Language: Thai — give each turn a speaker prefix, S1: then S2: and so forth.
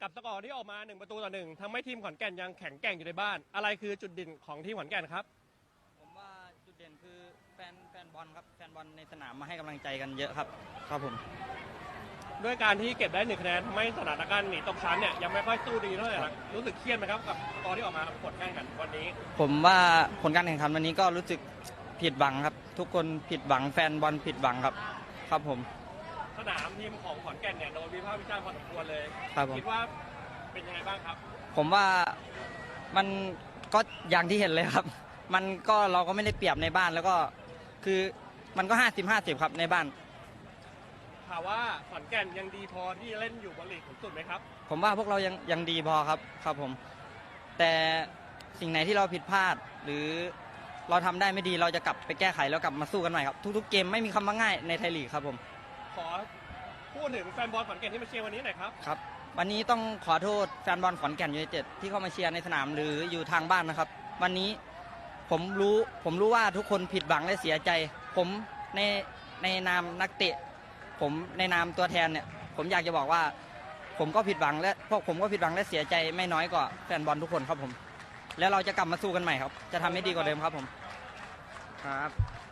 S1: กับสกอร์ที่ออกมา1-1ทำให้ทีมขอนแก่นยังแข็งแกร่งอยู่ในบ้านอะไรคือจุดเด่นของทีมขอนแก่นครับ
S2: ผมว่าจุดเด่นคือแฟนบอลครับแฟนบอลในสนามมาให้กำลังใจกันเยอะครับครับผม
S1: ด้วยการที่เก็บได้1คะแนนทำให้สถานการณ์หนีตกชั้นเนี่ยยังไม่ค่อยสู้ดีเท่าไหร่นักรู้สึกเครียดไหมครับกับสกอร์ที่ออกมาผลการแข่งขันวันนี้
S2: ผมว่าผลการแข่งขันวันนี้ก็รู้สึกผิดหวังครับทุกคนผิดหวังแฟนบอลผิดหวังครับครับผม
S1: สนามทีมของขอนแก่นเนี่ยโดนวิพากษ์วิจารณ์พอสมควรเลย
S2: ครับผม
S1: คิดว่าเป็นยังไงบ้างครับ
S2: ผมว่ามันก็อย่างที่เห็นเลยครับมันก็เราก็ไม่ได้เปรียบในบ้านแล้วก็คือมันก็50-50ครับในบ้าน
S1: ถามว่าขอนแก่นยังดีพอที่จะเล่นอยู่บนลีกสูงสุดไหมครับ
S2: ผมว่าพวกเรายังดีพอครับครับผมแต่สิ่งไหนที่เราผิดพลาดหรือเราทำได้ไม่ดีเราจะกลับไปแก้ไขแล้วกลับมาสู้กันใหม่ครับทุกๆเกมไม่มีคำว่าง่ายในไทยลีกครับผม
S1: ขอพูดถึงแฟนบอลขอนแก่นที่มาเชียร์วันนี้หน่อยครับ
S2: ครับวันนี้ต้องขอโทษแฟนบอลขอนแก่นยูไนเต็ดที่เข้ามาเชียร์ในสนามหรืออยู่ทางบ้านนะครับวันนี้ผมรู้ว่าทุกคนผิดหวังและเสียใจผมในนามนักเตะผมในนามตัวแทนเนี่ยผมอยากจะบอกว่าผมก็ผิดหวังและพวกผมก็ผิดหวังและเสียใจไม่น้อยกว่าแฟนบอลทุกคนครับผมแล้วเราจะกลับมาสู้กันใหม่ครับจะทำให้ดีกว่าเดิมครับผมครับ